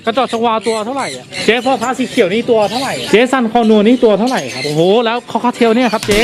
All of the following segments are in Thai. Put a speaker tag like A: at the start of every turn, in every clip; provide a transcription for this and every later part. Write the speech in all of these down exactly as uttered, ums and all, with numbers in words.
A: กระจอกชวาตัวเท่าไหร่อ่ะเจ๊พ่อพระสีเขียวนี่ตัวเท่าไหร่เจ๊ซันคอนัวนี่ตัวเท่าไหร่ครับโอ้โหแล้วคอคาเทลเนี่ยครับเจ๊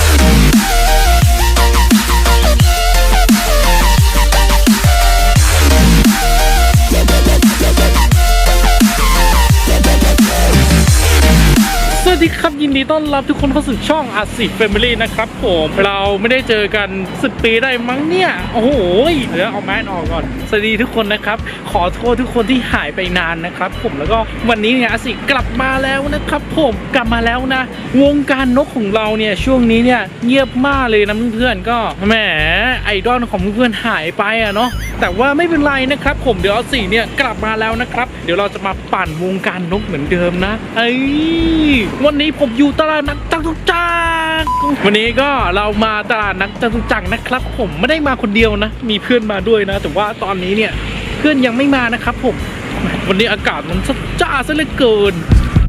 A: สวัสดีครับยินดีต้อนรับทุกคนเข้าสู่ช่องอาสิแฟมิลี่นะครับผมเราไม่ได้เจอกันสิบปีได้มั้งเนี่ยโอ้โหเดี๋ยวเอาแมสออกก่อนสวัสดีทุกคนนะครับขอโทษทุกคนที่หายไปนานนะครับผมแล้วก็วันนี้เนี่ยอาสิกลับมาแล้วนะครับผมกลับมาแล้วนะวงการนกของเราเนี่ยช่วงนี้เนี่ยเงียบมากเลยนะเพื่อนๆก็แหมไอดอลของเพื่อนๆหายไปอะเนาะแต่ว่าไม่เป็นไรนะครับผมเดี๋ยวอาสิเนี่ยกลับมาแล้วนะครับเดี๋ยวเราจะมาปั่นวงการนกเหมือนเดิมนะเอ้ยวันนี้ผมอยู่ตลาดนัดจตุจักรวันนี้ก็เรามาตลาดนัดจตุจักรนะครับผมไม่ได้มาคนเดียวนะมีเพื่อนมาด้วยนะแต่ว่าตอนนี้เนี่ยเพื่อนยังไม่มานะครับผมวันนี้อากาศมันจ้าซะเหลือเกิน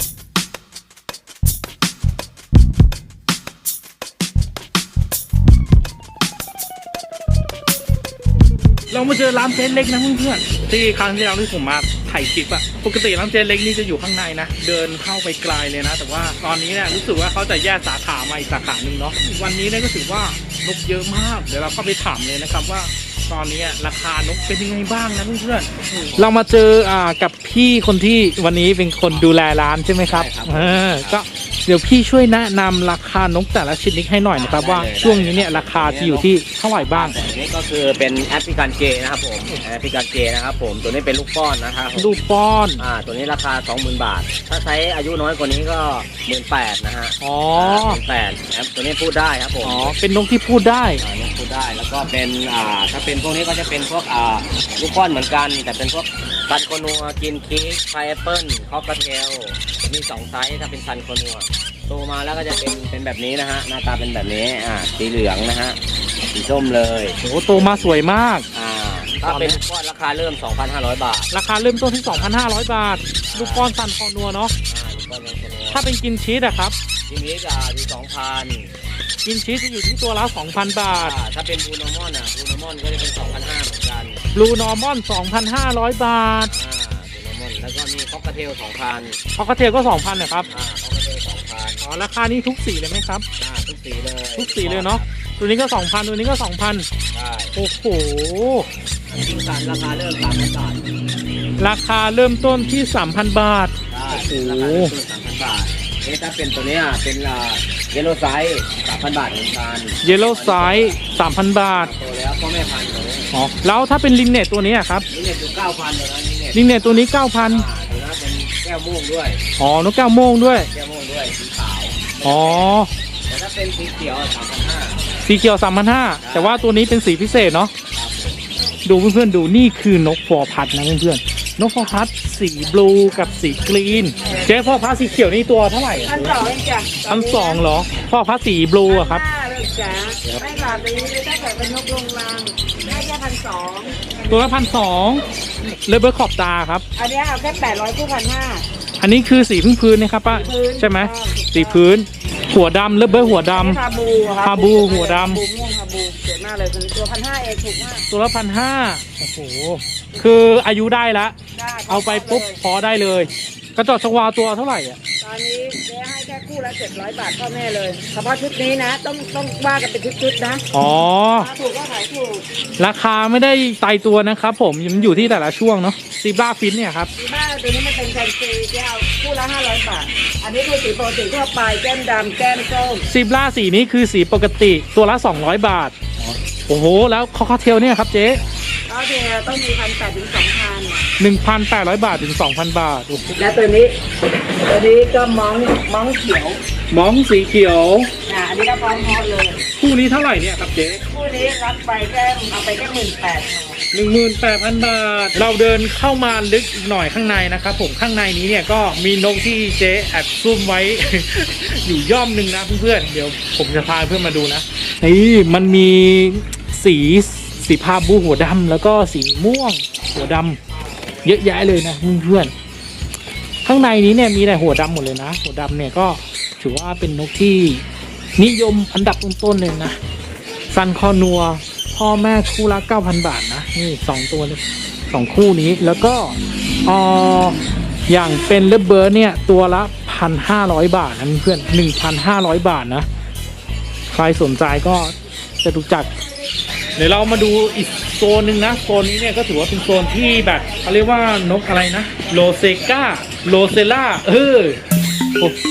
A: เรามาเจอร้านเจ๊เล็กนะเพื่อนๆที่ครั้งที่เราที่ผมมาถ่ายคลิปอะปกติร้านเจ๊เล็กนี่จะอยู่ข้างในนะเดินเข้าไปไกลเลยนะแต่ว่าตอนนี้เนี่ยรู้สึกว่าเขาจะแยกสาขามาอีกสาขาหนึ่งเนาะวันนี้เนี่ยก็ถือว่านกเยอะมากเดี๋ยวเราเข้าไปถามเลยนะครับว่าตอนนี้ราคานกเป็นยังไงบ้างนะเพื่อนๆเรามาเจออ่ากับพี่คนที่วันนี้เป็นคนดูแลร้านใช่ไหมครับเออก็เดี๋ยวพี่ช่วยแนะนำราคานกแต่ละชนิดให้หน่อยนะครับว่าช่วงนี้เนี่ยราคาจะอยู่ที่เท่าไหร่บ้าง
B: อันนี้ก็คือเป็นแอฟริกันเจนะครับผมแอฟริกันเจนะครับผมตัวนี้เป็นลูกป้อนนะครับ
A: ลูกป้อน
B: อ่าตัวนี้ราคา สองหมื่น บาทถ้าใช้อายุน้อยกว่านี้ก็ หนึ่งหมื่นแปดพัน นะฮะ
A: อ๋อ
B: หนึ่งหมื่นแปดพัน ตัวนี้พูดได้ครับผม
A: อ๋อเป็นนกที่พูดได้
B: อ่านกพูดได้แล้วก็เป็นอ่าถ้าเป็นพวกนี้ก็จะเป็นพวกอ่าลูกป้อนเหมือนกันแต่เป็นพวกซันโคนัวกินเค้กไพแอปเปิ้ลคอกเทลมีสองไซส์ถ้าเป็นซันโคนัวโตมาแล้วก็จะเป็นเป็นแบบนี้นะฮะหน้าตาเป็นแบบนี้อ่าสีเหลืองนะฮะสีส้มเลย
A: โอ้โตมาสวยมาก
B: อ่าถ้าเป็นก้อนราคาเริ่ม สองพันห้าร้อย บาท
A: ราคาเริ่มต้นที่ สองพันห้าร้อย บาทลูกป้อนซันคอนัวเนาะถ้าเป็นกินชีสอะครับ
B: กินชีสจะอยู่ สองพัน
A: กินชีสจะอยู่ที่ตัวละ สองพัน บาท
B: ถ้าเป็นบลูนอร์มอนอ่ะบลูนอร์มอนก็จะเป็น สองพันห้าร้อย เหมือนกัน
A: บลูนอร์มอน สองพันห้าร้อย บาท
B: อ่าบลูนอร์มอนแล้วก็มีคอกเทล สองพัน
A: คอกเทลก็ สองพัน นะครับ
B: อ่าคอกเทล สองพัน
A: อ๋อราคานี้ทุกสีเลยไหมครับ
B: อ่าทุกสีเลย
A: ทุกสีเลยเนาะตัวนี้ก็ สองพัน ตัวนี้ก็ สองพัน
B: ได้
A: โอ้โห
B: กินสันราคาเริ่ม สามพัน บาท
A: ราคาเริ่มต้นที่ สามพัน บาท
B: โอ้โหราคาเริ่มต้น สามพัน บาทนี่ถ้าเป็นตัวนี้เป็นอ่าเยลโล่ไซส์ สามพัน บาทเหมือนกัน
A: เยลโล่ไซส์ สามพัน บาท
B: โตแล้วพ่อแม่พันธุ์เลย
A: อ๋อแล้วถ้าเป็นลินเน็ตตัวนี้ครับ
B: ลินเน็ตอยู่ เก้าพัน เลยนะ
A: ลินเน็ตตัวนี้ เก้าพัน
B: อ่าตัวนั้นเป็นแก้วม่วงด้วย
A: อ๋อนกแก้วม่วงด้วย
B: แก้วม่วงด้วยสีขาว
A: อ๋อ
B: แต่ถ้าเป็นสีเขียว สามพันห้าร้อย
A: สีเขียว สามพันห้าร้อย แต่ว่าตัวนี้เป็นสีพิเศษเนาะดูเพื่อนๆดูนี่คือนกฟอร์พัดนะเพื่อนๆนกฟอร์พัดสีบลูกับสีกรีนเจ๊พ่อพัดสีเขียวนี่ตัวเท่าไหร่
C: พันสองเองจ้ะ
A: พันสองเหรอพ่อพัดสีบลูอะครับ
C: จ้ะไม่หลาดเลยถ้าเกิดเป็นนกลงรังได้แค่พันสอง
A: ตัวละพันสองเลเบอร์ขอบตาครับ
C: อันนี้เอาแค่แปดร้อยคู่พันห้า
A: อันนี้คือสีพื้นพื้นนะครับป้าใช่ไหมสีพื้นหัวดำเลเบอร์หัวดำ
C: คาบู
A: คาบูหัวด
C: ำบูม่วงคาบูเจ๋งมากเลยตัวพันห้าเองถูกมาก
A: ตัวละพันห้าโอ้โหคืออายุได้แล้วเอาไปปุ๊บพอได้เลยกระจอกชวาตัวเท่าไหร่อ่ะ
C: ตอนนี้เจ๊ให้แค่คู่ละเจ็ดร้อยบาทพ่อแม่เลยเฉพาะชุดนี้นะต้องต้องว่ากันเป็นชุดๆนะ
A: อ๋อ
C: ถูกก็ขายถูก
A: ราคาไม่ได้ตายตัวนะครับผมมันอยู่ที่แต่ละช่วงเนาะซีบราฟินเนี่ยครับ
C: ซีบราตัวนี้มันเป็นแฟนซีเจ๊เอาคู่ละห้าร้อยบาทอันนี้คือสีปกติทั่วไปแก้มดำแก้มส้ม
A: ซีบราสีนี้คือสีปกติตัวละสองร้อยบาทโอ้โหแล้วคอคาเทลเนี่ยครับเจ๊
C: คอคาเทลต้องมีพันแปดถึงสองพัน
A: หนึ่งพันแปดร้อยบาทถึงสองพันบาท
C: และตัวนี้ตัวนี้ก็มองมองเขียว
A: มองสีเขียว
C: อ่าอันนี้ก็พร้อมฮอตเลย
A: คู่นี้เท่าไหร่เนี่ยครับเจ๊
C: คู่นี้รับไปแค่เอาไปแค่หมื่นแปด
A: หนึ่งหมื่นแปดพันบาทเราเดินเข้ามาลึกอีกหน่อยข้างในนะครับผมข้างในนี้เนี่ยก็มีนกที่เจ๊แอบซุ่มไว้ อยู่ย่อมหนึ่งนะเพื่อนๆเดี๋ยวผมจะพาเพื่อนมาดูนะนี่มันมีสีสีพาบูหัวดำแล้วก็สีม่วงหัวดำเยอะแยะเลยนะเพื่อนๆข้างในนี้เนี่ยมีแต่หัวดำหมดเลยนะหัวดำเนี่ยก็ถือว่าเป็นนกที่นิยมอันดับต้นๆเลยนะซันคอนัวพ่อแม่คู่ละ เก้าพัน บาทนะนี่สองตัวเลยสองคู่นี้แล้วก็เอ่ออย่างเป็นเลเบิร์ดเนี่ยตัวละพันห้าร้อยบาทนะเพื่อนหนึ่งพันห้าร้อยบาทนะใครสนใจก็จะดูจักเดี๋ยวเรามาดูอีกโซนหนึ่งนะโซนนี้เนี่ยก็ถือว่าเป็นโซนที่แบบเขาเรียกว่านกอะไรนะโลเซกาโลเซล่าเออโอ้โห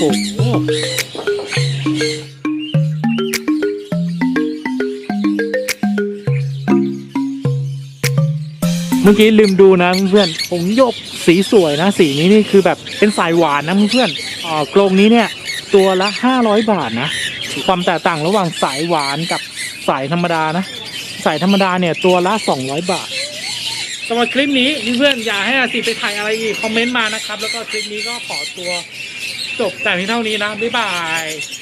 A: เมื่อกี้ลืมดูนะเพื่อนผงหยกสีสวยนะสีนี้นี่คือแบบเป็นสายหวานนะเพื่อนอ่ากรงนี้เนี่ยตัวละห้าร้อยบาทนะความแตกต่างระหว่างสายหวานกับสายธรรมดานะสายธรรมดาเนี่ยตัวละสองร้อยบาทสำหรับคลิปนี้เพื่อนๆอยากให้อาสิไปถ่ายอะไรอีกคอมเมนต์มานะครับแล้วก็คลิปนี้ก็ขอตัวจบแต่เพียงเท่านี้นะบ๊ายบาย